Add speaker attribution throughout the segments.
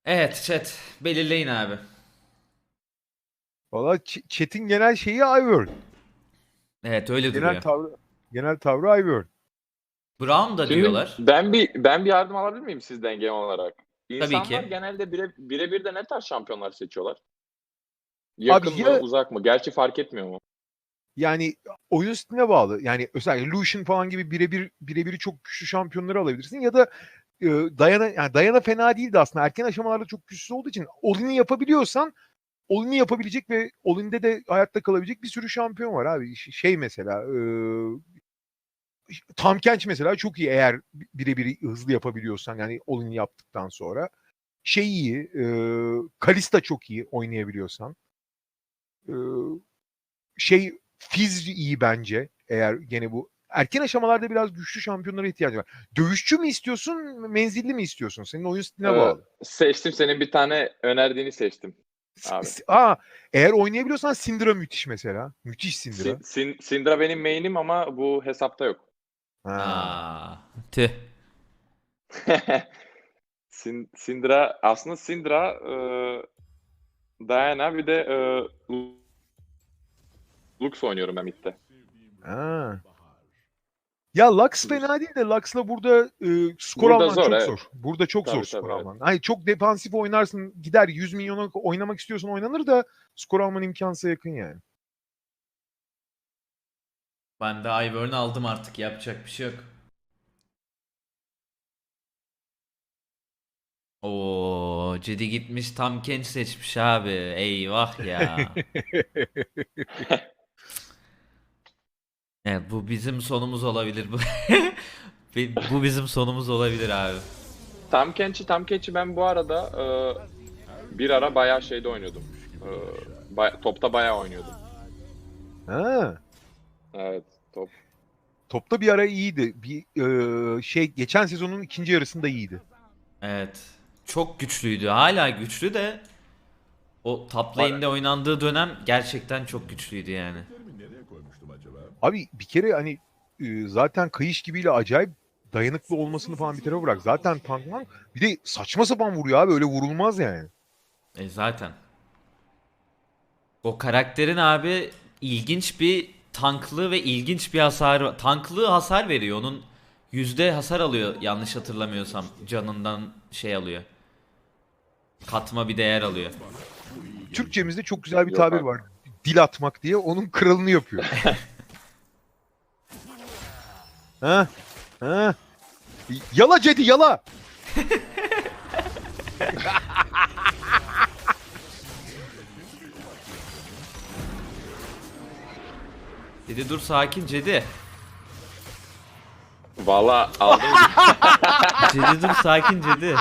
Speaker 1: Evet chat. Belirleyin abi.
Speaker 2: Valla chat'in genel şeyi Ivern.
Speaker 1: Evet öyle
Speaker 2: Genel
Speaker 1: duruyor.
Speaker 2: tavrı genel tavrı Ivern.
Speaker 1: Brown da
Speaker 3: Şimdi
Speaker 1: diyorlar.
Speaker 3: ben bir yardım alabilir miyim sizden genel olarak?
Speaker 1: Tabii
Speaker 3: İnsanlar
Speaker 1: ki.
Speaker 3: genelde birebir de ne tarz şampiyonlar seçiyorlar?
Speaker 2: Abi
Speaker 3: Yakın mı,
Speaker 2: ya
Speaker 3: uzak mı? Gerçi fark etmiyor mu?
Speaker 2: yani oyun stiline bağlı. Yani özellikle Lucian falan gibi birebiri çok güçlü şampiyonları alabilirsin ya da Diana fena değildi aslında. Erken aşamalarda çok güçsüz olduğu için All-in'i yapabiliyorsan All-in'i yapabilecek ve All-in'de de hayatta kalabilecek bir sürü şampiyon var abi. Şey mesela Tahm Kench mesela çok iyi eğer birebir hızlı yapabiliyorsan yani All-in'i yaptıktan sonra. Şey iyi, Kalista çok iyi oynayabiliyorsan. E, Fizz iyi bence eğer gene bu erken aşamalarda biraz güçlü şampiyonlara ihtiyacı var. Dövüşçü mü istiyorsun, menzilli mi istiyorsun? Senin oyun stiline bağlı.
Speaker 3: Seçtim, senin bir tane önerdiğini seçtim abi.
Speaker 2: Eğer oynayabiliyorsan Syndra müthiş mesela. Müthiş Syndra.
Speaker 3: Syndra benim main'im ama bu hesapta yok.
Speaker 2: Ha.
Speaker 1: Aa, tüh.
Speaker 3: Syndra aslında Diana bir de Lux oynuyorum ben midde.
Speaker 2: Ha. Ya Lux fena değil de Lux'la burada skor
Speaker 3: Burada
Speaker 2: alman
Speaker 3: zor,
Speaker 2: çok
Speaker 3: evet.
Speaker 2: zor. Burada çok zor
Speaker 3: Tabii
Speaker 2: skor
Speaker 3: tabii, evet.
Speaker 2: alman. Hayır çok defansif oynarsın gider 100 milyona oynamak istiyorsan oynanır da skor alman imkansıza yakın yani.
Speaker 1: Ben de Ivern'ı aldım artık. Yapacak bir şey yok. Oo, Cedi gitmiş Tahm Kench seçmiş abi. Eyvah ya. Evet bu bizim sonumuz olabilir bu. Bu bizim sonumuz olabilir abi.
Speaker 3: Tahm Kench'i ben bu arada bir ara bayağı şeyde oynuyordum. Topta bayağı oynuyordum.
Speaker 2: Ha.
Speaker 3: Evet, top.
Speaker 2: Topta bir ara iyiydi. Geçen sezonun ikinci yarısında iyiydi.
Speaker 1: Evet. Çok güçlüydü. Hala güçlü de o top lane'de oynandığı dönem gerçekten çok güçlüydü yani.
Speaker 2: Abi bir kere hani zaten Kayış gibiyle acayip dayanıklı olmasını falan bir tarafa bırak. Zaten tankman bir de saçma sapan vuruyor abi öyle vurulmaz yani.
Speaker 1: Zaten. O karakterin abi ilginç bir tanklığı ve ilginç bir hasar. Tanklığı hasar veriyor. Onun yüzde hasar alıyor yanlış hatırlamıyorsam. Canından şey alıyor. Katma bir değer alıyor.
Speaker 2: Türkçemizde çok güzel bir
Speaker 3: Yok
Speaker 2: tabir
Speaker 3: abi.
Speaker 2: var. Dil atmak diye onun kralını yapıyor. Ha? Ha? Yala Cedi yala.
Speaker 1: Dedi dur sakin Cedi.
Speaker 3: Valla aldım.
Speaker 1: Cedi dur sakin Cedi.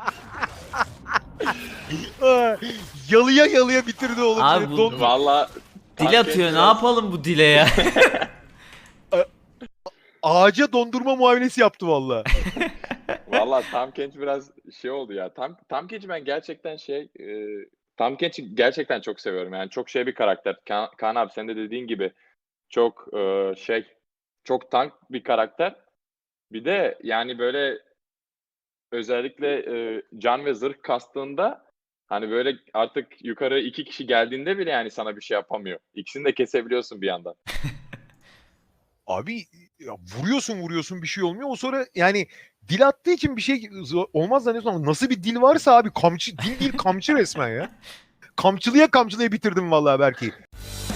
Speaker 2: Yalıya yalıya bitirdi oğlum
Speaker 1: Abi
Speaker 2: seni.
Speaker 1: bu
Speaker 3: Valla
Speaker 1: dil atıyor. Ne yapalım bu dile ya?
Speaker 2: Ağaca dondurma muamelesi yaptı valla.
Speaker 3: Valla Tahm Kench biraz şey oldu ya. Tahm Kench'i ben gerçekten Tahm Kench'i gerçekten çok seviyorum. Yani çok şey bir karakter. Kaan abi sen de dediğin gibi çok çok tank bir karakter. Bir de yani böyle özellikle can ve zırh kastığında hani böyle artık yukarı iki kişi geldiğinde bile yani sana bir şey yapamıyor. İkisini de kesebiliyorsun bir yandan.
Speaker 2: Abi ya vuruyorsun bir şey olmuyor. O sonra yani dil attığı için bir şey olmaz zannediyorsun ama nasıl bir dil varsa abi dil değil kamçı resmen ya. Kamçılıya bitirdim vallahi belki.